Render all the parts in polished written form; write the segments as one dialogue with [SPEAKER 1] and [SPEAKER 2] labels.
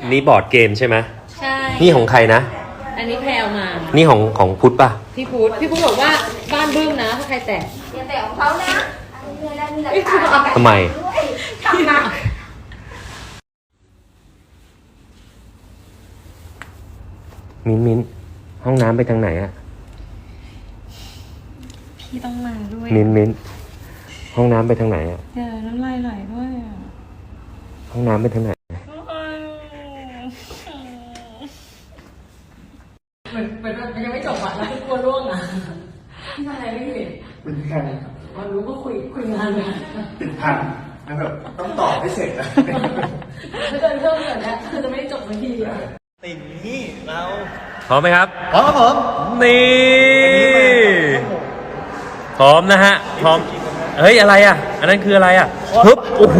[SPEAKER 1] นี่บอร์ดเกมใช่ไหม
[SPEAKER 2] ใช่
[SPEAKER 1] นี่ของใครนะ
[SPEAKER 2] อันนี้แพลวมา
[SPEAKER 1] นี่ของพุทธป่ะ
[SPEAKER 2] พี่พุทธบอกว่าบ้านบึ้มนะถ้าใครแตะ
[SPEAKER 3] อย่าแตะของเขานะ
[SPEAKER 1] ทำไมมิ้นห้องน้ำไปทางไหนอะ
[SPEAKER 2] พี่ต้องมาด้วย
[SPEAKER 1] มิ้นห้องน้ำไปทางไหนอะ
[SPEAKER 2] เดี๋ยวน้ำลายไหลด้วยอะ
[SPEAKER 1] ห้องน้ำไปทางไหน
[SPEAKER 2] เหมือนมันยังไม่จบอ่ะแล้วกลัวร่วงอ่ะพี่อะไรไม่เห็น
[SPEAKER 4] เป็นแพน
[SPEAKER 2] วันรู้ก็คุยงานเลย
[SPEAKER 4] ติดพันแล้วแบบต้องตอบให้เสร็จนะ
[SPEAKER 2] ถ้าเกินเพิ่มแบบนี้คือจะไม่จบสักทีอ่ะ
[SPEAKER 4] ติ่งนี่เรา
[SPEAKER 1] พร้อมไหมครับ
[SPEAKER 4] พร้อมครับผม
[SPEAKER 1] นี่พร้อมนะฮะพร้อมเฮ้ยอะไรอ่ะอันนั้นคืออะไรอ่ะฮึบโอ้โห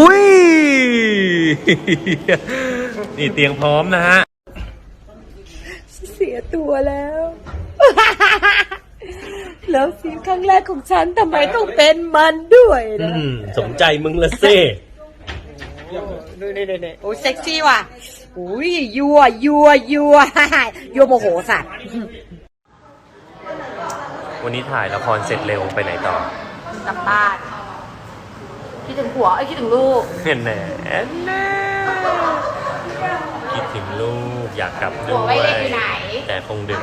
[SPEAKER 1] นี่เตียงพร้อมนะฮะ
[SPEAKER 3] เสียตัวแล้วแล้วซีนครั้งแรกของฉันทำไมต้องเป็นมันด้วยนะ
[SPEAKER 1] สมใจมึงละเซ่
[SPEAKER 3] ดูนี่โอ้เซ็กซี่ว่ะอุ้ยยัวโมโหสัตว์
[SPEAKER 1] วันนี้ถ่ายละครเสร็จเร็วไปไหนต่
[SPEAKER 3] อกลับบ้านคิดถึงผัวคิดถึงลูก
[SPEAKER 1] แน่คิดถึงลูกอยากกลับด้วยแต่คงดึก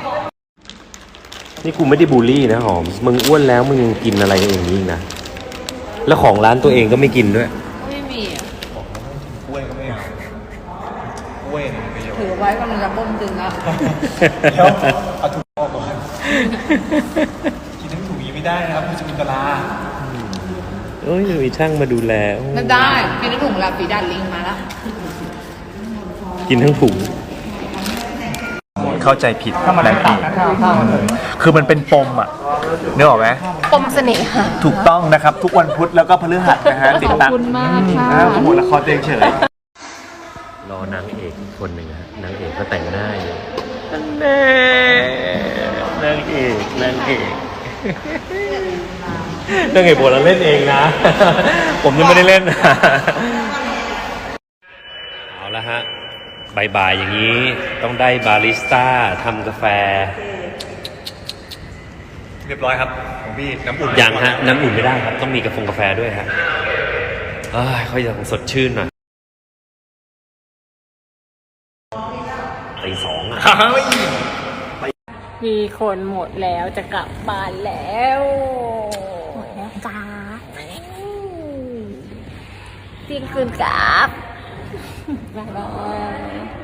[SPEAKER 1] นี่กูไม่ได้บูลลี่นะหอมมึงอ้วนแล้วมึงยังกินอะไรอย่างนี้นะแล้วของร้านตัวเองก็ไม่กินด้วย
[SPEAKER 2] ไม่มีอ่ะ
[SPEAKER 4] กล้วยก็ไม่เอากล้วย
[SPEAKER 2] ถือไว้กำลังจะต้มตึงแล้ว
[SPEAKER 4] แล้วเอาถุงออกก่อนกินทั้งถุงยังไม่ได้นะครับมันจะมีตรา
[SPEAKER 1] เอ้ยมีช่างมาดูแล
[SPEAKER 2] ไม่ได้กินทั้งถุงแล้วฝีดาดลิงมาแล้ว
[SPEAKER 1] กินทั้งถุง
[SPEAKER 4] เข้าใจผิดแรงปีคือมันเป็นปมอ่ะนึกออกไหม
[SPEAKER 2] ปมเสน่หา
[SPEAKER 4] ถูกต้องนะครับทุกวันพุธแล้วก็พฤหัสนะฮะติดตาม
[SPEAKER 2] ขอบคุณมากค่ะ
[SPEAKER 4] โปรโมทละครเตียงเฉย
[SPEAKER 1] รอนางเอกอีกคนหนึ่งฮะนางเอกก็แต่งหน้าอยู่นางเอกนางเอกบทเราเล่นเองนะผมยังไม่ได้เล่นเอาละฮะบ่ายๆอย่างนี้ต้องได้บาริสต้าทำกาแฟ
[SPEAKER 4] เรียบร้อยครับของพี่น้ำอุ่น
[SPEAKER 1] ยังฮะน้ำอุ่นไม่ได้ครับต้องมีกาแฟด้วยฮะค่อยจะสดชื่นหน่อยตีสองอ่ะ
[SPEAKER 2] มีคนหมดแล้วจะกลับบ้านแล้วหมดแล้วจ้าเที่ยงคืนกลับบ๊ายบาย